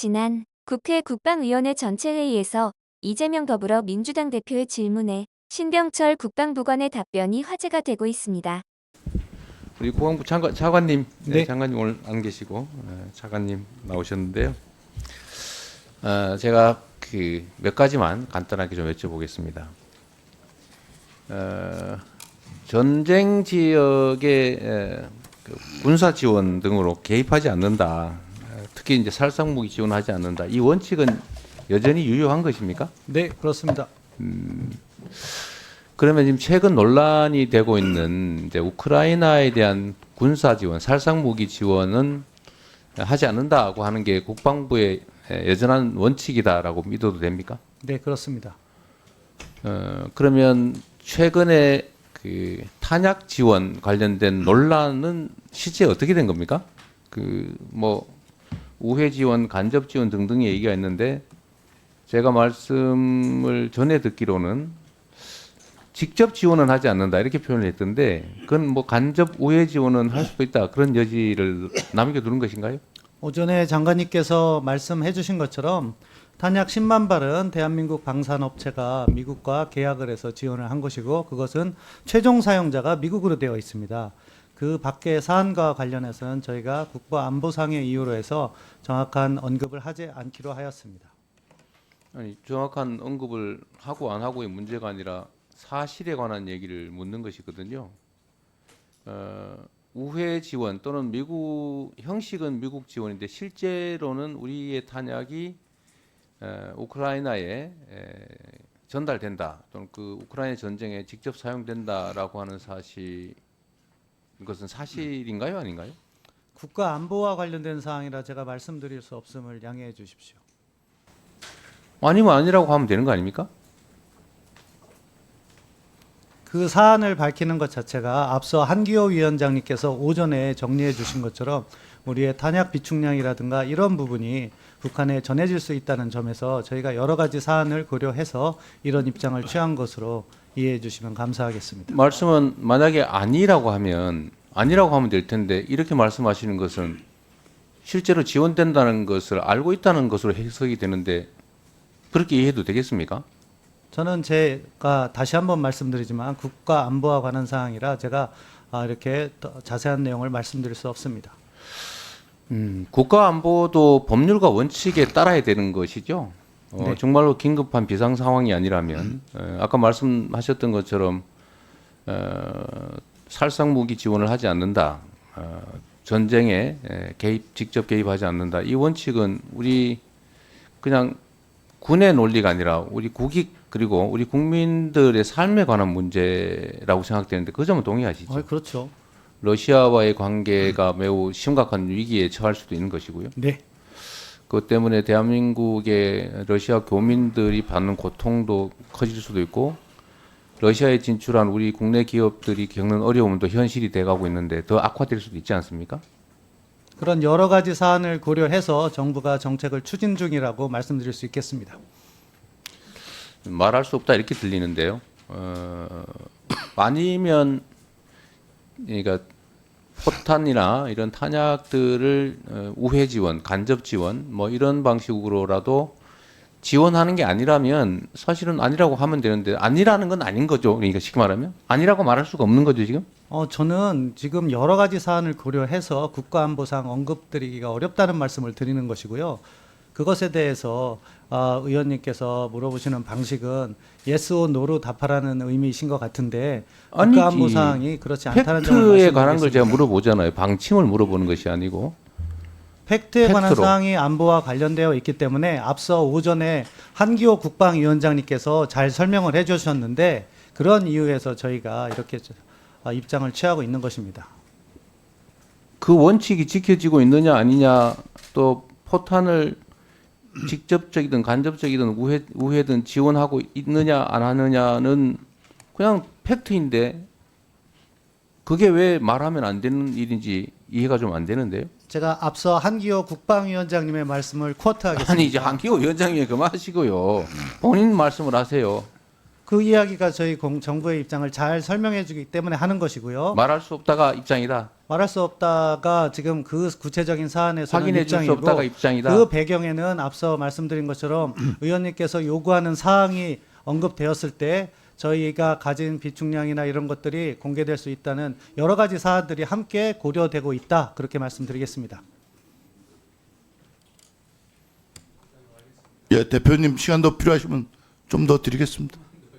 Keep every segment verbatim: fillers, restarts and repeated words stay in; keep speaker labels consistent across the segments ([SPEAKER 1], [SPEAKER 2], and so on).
[SPEAKER 1] 지난 국회 국방위원회 전체회의에서 이재명 더불어민주당 대표의 질문에 신병철 국방부관의 답변이 화제가 되고 있습니다.
[SPEAKER 2] 우리 국방부 차관, 차관님,
[SPEAKER 3] 네.
[SPEAKER 2] 네. 장관님 오늘 안 계시고 네, 차관님 나오셨는데요. 어, 제가 그 몇 가지만 간단하게 좀 여쭤보겠습니다. 어, 전쟁 지역의 에, 그 군사 지원 등으로 개입하지 않는다. 특히 이제 살상 무기 지원하지 않는다. 이 원칙은 여전히 유효한 것입니까?
[SPEAKER 3] 네, 그렇습니다.
[SPEAKER 2] 그러면 지금 최근 논란이 되고 있는 이제 우크라이나에 대한 군사 지원, 살상 무기 지원은 하지 않는다고 하는 게 국방부의 여전한 원칙이다라고 믿어도 됩니까?
[SPEAKER 3] 네, 그렇습니다.
[SPEAKER 2] 어, 그러면 최근에 그 탄약 지원 관련된 논란은 실제 어떻게 된 겁니까? 그 뭐 우회 지원, 간접 지원 등등의 얘기가 있는데 제가 말씀을 전에 듣기로는 직접 지원은 하지 않는다 이렇게 표현을 했던데 그건 뭐 간접 우회 지원은 할 수도 있다 그런 여지를 남겨두는 것인가요?
[SPEAKER 3] 오전에 장관님께서 말씀해 주신 것처럼 탄약 십만 발은 대한민국 방산업체가 미국과 계약을 해서 지원을 한 것이고 그것은 최종 사용자가 미국으로 되어 있습니다. 그 밖의 사안과 관련해서는 저희가 국가안보상의 이유로 해서 정확한 언급을 하지 않기로 하였습니다.
[SPEAKER 2] 아니 정확한 언급을 하고 안 하고의 문제가 아니라 사실에 관한 얘기를 묻는 것이거든요. 어, 우회 지원 또는 미국 형식은 미국 지원인데 실제로는 우리의 탄약이 에, 우크라이나에 에, 전달된다 또는 그 우크라이나 전쟁에 직접 사용된다라고 하는 사실 이것은 사실인가요, 아닌가요?
[SPEAKER 3] 국가안보와 관련된 사항이라 제가 말씀드릴 수 없음을 양해해 주십시오.
[SPEAKER 2] 아니면 아니라고 하면 되는 거 아닙니까?
[SPEAKER 3] 그 사안을 밝히는 것 자체가 앞서 한기호 위원장님께서 오전에 정리해 주신 것처럼 우리의 탄약 비축량이라든가 이런 부분이 북한에 전해질 수 있다는 점에서 저희가 여러 가지 사안을 고려해서 이런 입장을 취한 것으로 이해해 주시면 감사하겠습니다.
[SPEAKER 2] 말씀은 만약에 아니라고 하면 아니라고 하면 될 텐데 이렇게 말씀하시는 것은 실제로 지원된다는 것을 알고 있다는 것으로 해석이 되는데 그렇게 이해해도 되겠습니까?
[SPEAKER 3] 저는 제가 다시 한번 말씀드리지만 국가 안보와 관한 사항이라 제가 이렇게 자세한 내용을 말씀드릴 수 없습니다.
[SPEAKER 2] 음, 국가안보도 법률과 원칙에 따라야 되는 것이죠. 어,
[SPEAKER 3] 네.
[SPEAKER 2] 정말로 긴급한 비상 상황이 아니라면 에, 아까 말씀하셨던 것처럼 어, 살상 무기 지원을 하지 않는다. 어, 전쟁에 에, 개입 직접 개입하지 않는다. 이 원칙은 우리 그냥 군의 논리가 아니라 우리 국익 그리고 우리 국민들의 삶에 관한 문제라고 생각되는데 그 점은 동의하시죠?
[SPEAKER 3] 어, 그렇죠.
[SPEAKER 2] 러시아와의 관계가 매우 심각한 위기에 처할 수도 있는 것이고요.
[SPEAKER 3] 네.
[SPEAKER 2] 그것 때문에 대한민국의 러시아 교민들이 받는 고통도 커질 수도 있고 러시아에 진출한 우리 국내 기업들이 겪는 어려움도 현실이 돼가고 있는데 더 악화될 수도 있지 않습니까?
[SPEAKER 3] 그런 여러 가지 사안을 고려해서 정부가 정책을 추진 중이라고 말씀드릴 수 있겠습니다.
[SPEAKER 2] 말할 수 없다 이렇게 들리는데요. 어, 아니면 그러니까 포탄이나 이런 탄약들을 어, 우회 지원, 간접 지원 뭐 이런 방식으로라도 지원하는 게 아니라면 사실은 아니라고 하면 되는데 아니라는 건 아닌 거죠. 그러니까 쉽게 말하면 아니라고 말할 수가 없는 거죠 지금.
[SPEAKER 3] 어, 저는 지금 여러 가지 사안을 고려해서 국가안보상 언급드리기가 어렵다는 말씀을 드리는 것이고요. 그것에 대해서 어, 의원님께서 물어보시는 방식은 yes or no로 답하라는 의미이신 것 같은데 국가안보 사항이 그렇지 않다는 점을
[SPEAKER 2] 팩트에 관한 걸
[SPEAKER 3] 말씀드리겠습니다.
[SPEAKER 2] 제가 물어보잖아요. 방침을 물어보는 것이 아니고.
[SPEAKER 3] 팩트에 관한
[SPEAKER 2] 팩트로.
[SPEAKER 3] 사항이 안보와 관련되어 있기 때문에 앞서 오전에 한기호 국방위원장님께서 잘 설명을 해주셨는데 그런 이유에서 저희가 이렇게 입장을 취하고 있는 것입니다.
[SPEAKER 2] 그 원칙이 지켜지고 있느냐 아니냐 또 포탄을 직접적이든 간접적이든 우회, 우회든 지원하고 있느냐 안 하느냐는 그냥 팩트인데 그게 왜 말하면 안 되는 일인지 이해가 좀 안 되는데요.
[SPEAKER 3] 제가 앞서 한기호 국방위원장님의 말씀을 쿼트하겠습니다.
[SPEAKER 2] 아니 이제 한기호 위원장님 그만하시고요. 본인 말씀을 하세요.
[SPEAKER 3] 그 이야기가 저희 공, 정부의 입장을 잘 설명해 주기 때문에 하는 것이고요.
[SPEAKER 2] 말할 수 없다가 입장이다.
[SPEAKER 3] 말할 수 없다가 지금 그 구체적인 사안에서는
[SPEAKER 2] 확인해 줄 수
[SPEAKER 3] 입장이고
[SPEAKER 2] 없다가 입장이다.
[SPEAKER 3] 그 배경에는 앞서 말씀드린 것처럼 의원님께서 요구하는 사항이 언급되었을 때 저희가 가진 비축량이나 이런 것들이 공개될 수 있다는 여러 가지 사안들이 함께 고려되고 있다. 그렇게 말씀드리겠습니다.
[SPEAKER 4] 예, 대표님 시간 더 필요하시면 좀 더 드리겠습니다.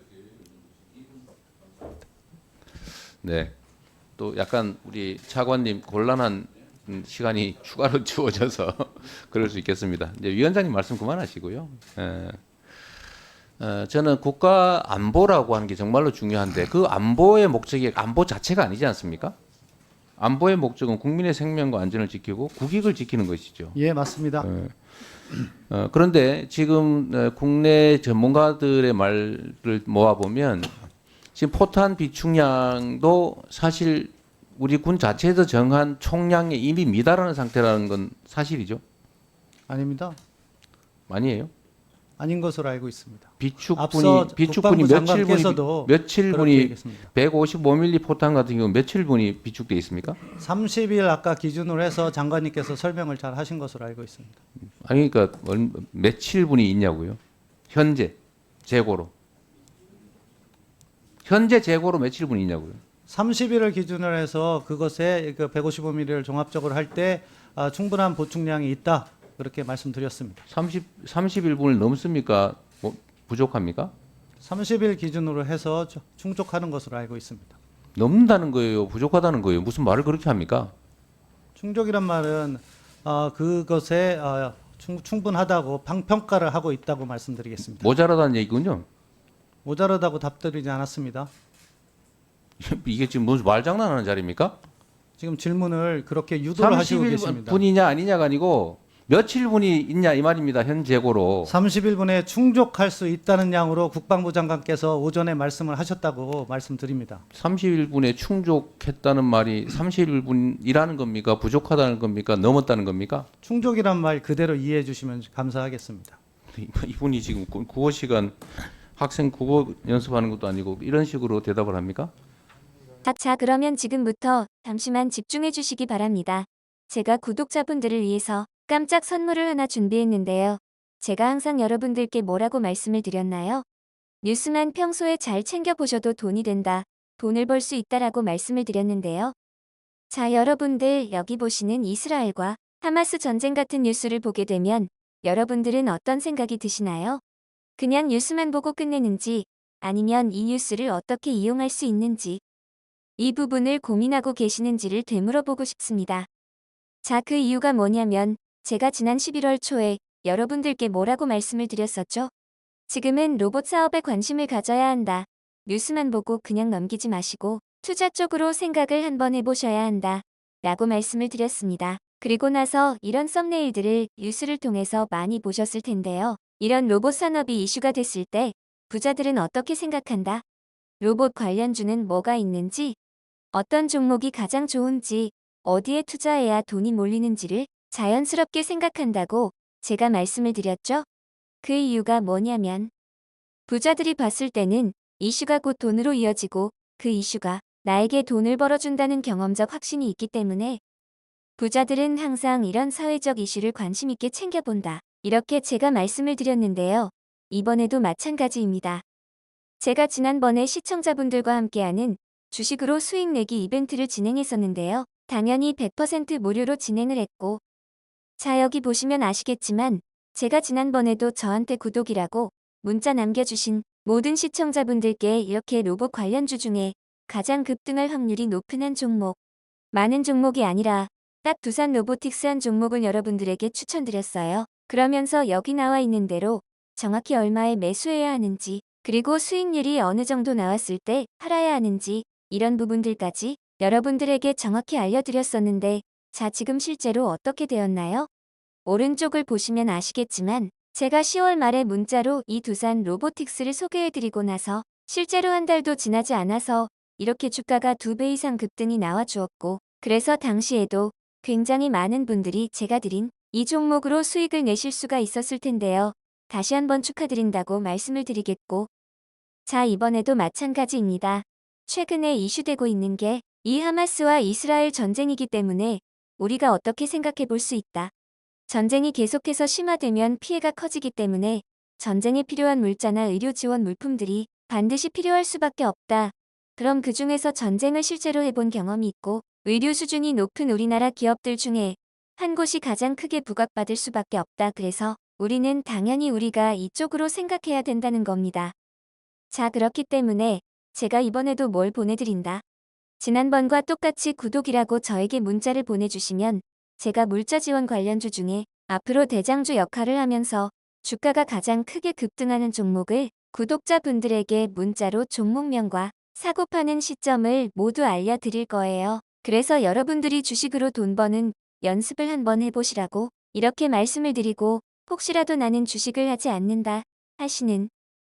[SPEAKER 2] 네. 또 약간 우리 차관님 곤란한 음, 시간이 추가로 주어져서 그럴 수 있겠습니다. 이제 위원장님 말씀 그만하시고요. 예. 어, 저는 국가 안보라고 하는 게 정말로 중요한데 그 안보의 목적이 안보 자체가 아니지 않습니까? 안보의 목적은 국민의 생명과 안전을 지키고 국익을 지키는 것이죠.
[SPEAKER 3] 예, 맞습니다.
[SPEAKER 2] 예. 어, 그런데 지금 어, 국내 전문가들의 말을 모아보면 지금 포탄 비축량도 사실 우리 군 자체에서 정한 총량에 이미 미달하는 상태라는 건 사실이죠?
[SPEAKER 3] 아닙니다.
[SPEAKER 2] 아니에요?
[SPEAKER 3] 아닌 것으로 알고 있습니다.
[SPEAKER 2] 비축분이
[SPEAKER 3] 앞서
[SPEAKER 2] 비축분이
[SPEAKER 3] 국방부
[SPEAKER 2] 며칠 분이
[SPEAKER 3] 장관께서도
[SPEAKER 2] 며칠
[SPEAKER 3] 그렇게
[SPEAKER 2] 분이
[SPEAKER 3] 얘기했습니다.
[SPEAKER 2] 백오십오 밀리미터 포탄 같은 경우 며칠 분이 비축돼 있습니까?
[SPEAKER 3] 삼십 일 아까 기준으로 해서 장관님께서 설명을 잘 하신 것으로 알고 있습니다.
[SPEAKER 2] 아니 그러니까 얼- 며칠 분이 있냐고요? 현재 재고로 현재 재고로 며칠 분이 있냐고요?
[SPEAKER 3] 삼십 일을 기준으로 해서 그것에 그 백오십오 밀리미터를 종합적으로 할 때 아, 충분한 보충량이 있다. 그렇게 말씀드렸습니다.
[SPEAKER 2] 삼십 삼십일 분을 넘습니까? 뭐 부족합니까?
[SPEAKER 3] 삼십 일 기준으로 해서 저- 충족하는 것으로 알고 있습니다.
[SPEAKER 2] 넘는다는 거예요, 부족하다는 거예요. 무슨 말을 그렇게 합니까?
[SPEAKER 3] 충족이란 말은 아, 그것에 아, 충, 충분하다고 방평가를 하고 있다고 말씀드리겠습니다.
[SPEAKER 2] 모자라다는 얘기군요.
[SPEAKER 3] 모자라다고 답드리지 않았습니다.
[SPEAKER 2] 이게 지금 무슨 말장난하는 자리입니까?
[SPEAKER 3] 지금 질문을 그렇게 유도를 하시고
[SPEAKER 2] 삼십일
[SPEAKER 3] 계십니다.
[SPEAKER 2] 분이냐 아니냐가 아니고 며칠 분이 있냐 이 말입니다. 현 재고로.
[SPEAKER 3] 삼십일 분에 충족할 수 있다는 양으로 국방부 장관께서 오전에 말씀을 하셨다고 말씀드립니다.
[SPEAKER 2] 삼십일 분에 충족했다는 말이 삼십일 분이라는 겁니까? 부족하다는 겁니까? 넘었다는 겁니까?
[SPEAKER 3] 충족이란 말 그대로 이해해 주시면 감사하겠습니다.
[SPEAKER 2] 이분이 지금 구- 국어 시간 학생 국어 연습하는 것도 아니고 이런 식으로 대답을 합니까?
[SPEAKER 1] 아, 자, 그러면 지금부터 잠시만 집중해 주시기 바랍니다. 제가 구독자분들을 위해서 깜짝 선물을 하나 준비했는데요. 제가 항상 여러분들께 뭐라고 말씀을 드렸나요? 뉴스만 평소에 잘 챙겨보셔도 돈이 된다, 돈을 벌 수 있다라고 말씀을 드렸는데요. 자, 여러분들 여기 보시는 이스라엘과 하마스 전쟁 같은 뉴스를 보게 되면 여러분들은 어떤 생각이 드시나요? 그냥 뉴스만 보고 끝내는지 아니면 이 뉴스를 어떻게 이용할 수 있는지 이 부분을 고민하고 계시는지를 되물어보고 싶습니다. 자, 그 이유가 뭐냐면 제가 지난 십일월 초에 여러분들께 뭐라고 말씀을 드렸었죠? 지금은 로봇 사업에 관심을 가져야 한다. 뉴스만 보고 그냥 넘기지 마시고 투자 쪽으로 생각을 한번 해보셔야 한다. 라고 말씀을 드렸습니다. 그리고 나서 이런 썸네일들을 뉴스를 통해서 많이 보셨을 텐데요. 이런 로봇 산업이 이슈가 됐을 때 부자들은 어떻게 생각한다? 로봇 관련주는 뭐가 있는지, 어떤 종목이 가장 좋은지, 어디에 투자해야 돈이 몰리는지를 자연스럽게 생각한다고 제가 말씀을 드렸죠? 그 이유가 뭐냐면 부자들이 봤을 때는 이슈가 곧 돈으로 이어지고 그 이슈가 나에게 돈을 벌어준다는 경험적 확신이 있기 때문에 부자들은 항상 이런 사회적 이슈를 관심 있게 챙겨본다. 이렇게 제가 말씀을 드렸는데요. 이번에도 마찬가지입니다. 제가 지난번에 시청자분들과 함께하는 주식으로 수익 내기 이벤트를 진행했었는데요. 당연히 백 퍼센트 무료로 진행을 했고, 자, 여기 보시면 아시겠지만 제가 지난번에도 저한테 구독이라고 문자 남겨주신 모든 시청자분들께 이렇게 로봇 관련주 중에 가장 급등할 확률이 높은 한 종목, 많은 종목이 아니라 딱 두산 로보틱스 한 종목을 여러분들에게 추천드렸어요. 그러면서 여기 나와 있는 대로 정확히 얼마에 매수해야 하는지, 그리고 수익률이 어느 정도 나왔을 때 팔아야 하는지 이런 부분들까지 여러분들에게 정확히 알려드렸었는데, 자, 지금 실제로 어떻게 되었나요? 오른쪽을 보시면 아시겠지만 제가 시월 말에 문자로 이 두산 로보틱스를 소개해드리고 나서 실제로 한 달도 지나지 않아서 이렇게 주가가 두 배 이상 급등이 나와 주었고, 그래서 당시에도 굉장히 많은 분들이 제가 드린 이 종목으로 수익을 내실 수가 있었을 텐데요. 다시 한번 축하드린다고 말씀을 드리겠고, 자, 이번에도 마찬가지입니다. 최근에 이슈되고 있는 게 이 하마스와 이스라엘 전쟁이기 때문에 우리가 어떻게 생각해 볼 수 있다. 전쟁이 계속해서 심화되면 피해가 커지기 때문에 전쟁에 필요한 물자나 의료 지원 물품들이 반드시 필요할 수밖에 없다. 그럼 그 중에서 전쟁을 실제로 해본 경험이 있고 의료 수준이 높은 우리나라 기업들 중에 한 곳이 가장 크게 부각받을 수밖에 없다. 그래서 우리는 당연히 우리가 이쪽으로 생각해야 된다는 겁니다. 자, 그렇기 때문에 제가 이번에도 뭘 보내드린다. 지난번과 똑같이 구독이라고 저에게 문자를 보내주시면 제가 물자 지원 관련주 중에 앞으로 대장주 역할을 하면서 주가가 가장 크게 급등하는 종목을 구독자분들에게 문자로 종목명과 사고 파는 시점을 모두 알려드릴 거예요. 그래서 여러분들이 주식으로 돈 버는 연습을 한번 해보시라고 이렇게 말씀을 드리고, 혹시라도 나는 주식을 하지 않는다 하시는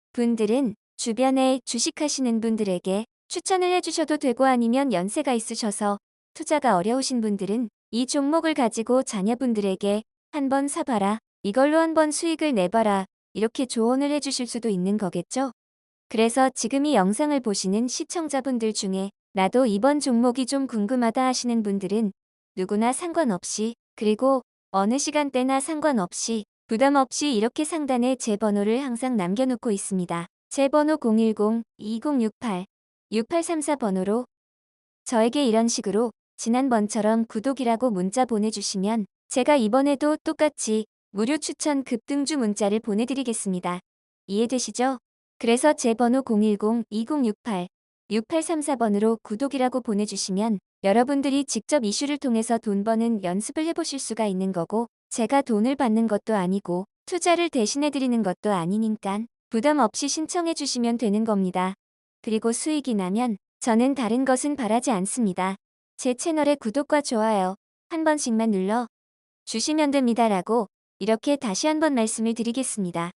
[SPEAKER 1] 분들은 주변에 주식하시는 분들에게 추천을 해주셔도 되고, 아니면 연세가 있으셔서 투자가 어려우신 분들은 이 종목을 가지고 자녀분들에게 한번 사봐라, 이걸로 한번 수익을 내봐라, 이렇게 조언을 해주실 수도 있는 거겠죠. 그래서 지금 이 영상을 보시는 시청자분들 중에 나도 이번 종목이 좀 궁금하다 하시는 분들은 누구나 상관없이, 그리고 어느 시간대나 상관없이 부담 없이 이렇게 상단에 제 번호를 항상 남겨놓고 있습니다. 제 번호 공일공 이공육팔 육팔삼사 번호로 저에게 이런 식으로 지난번처럼 구독이라고 문자 보내주시면 제가 이번에도 똑같이 무료 추천 급등주 문자를 보내드리겠습니다. 이해되시죠? 그래서 제 번호 공일공 이공육팔 육팔삼사 번으로 구독이라고 보내주시면 여러분들이 직접 이슈를 통해서 돈 버는 연습을 해보실 수가 있는 거고, 제가 돈을 받는 것도 아니고 투자를 대신해드리는 것도 아니니까 부담 없이 신청해 주시면 되는 겁니다. 그리고 수익이 나면 저는 다른 것은 바라지 않습니다. 제 채널의 구독과 좋아요 한 번씩만 눌러 주시면 됩니다라고 이렇게 다시 한번 말씀을 드리겠습니다.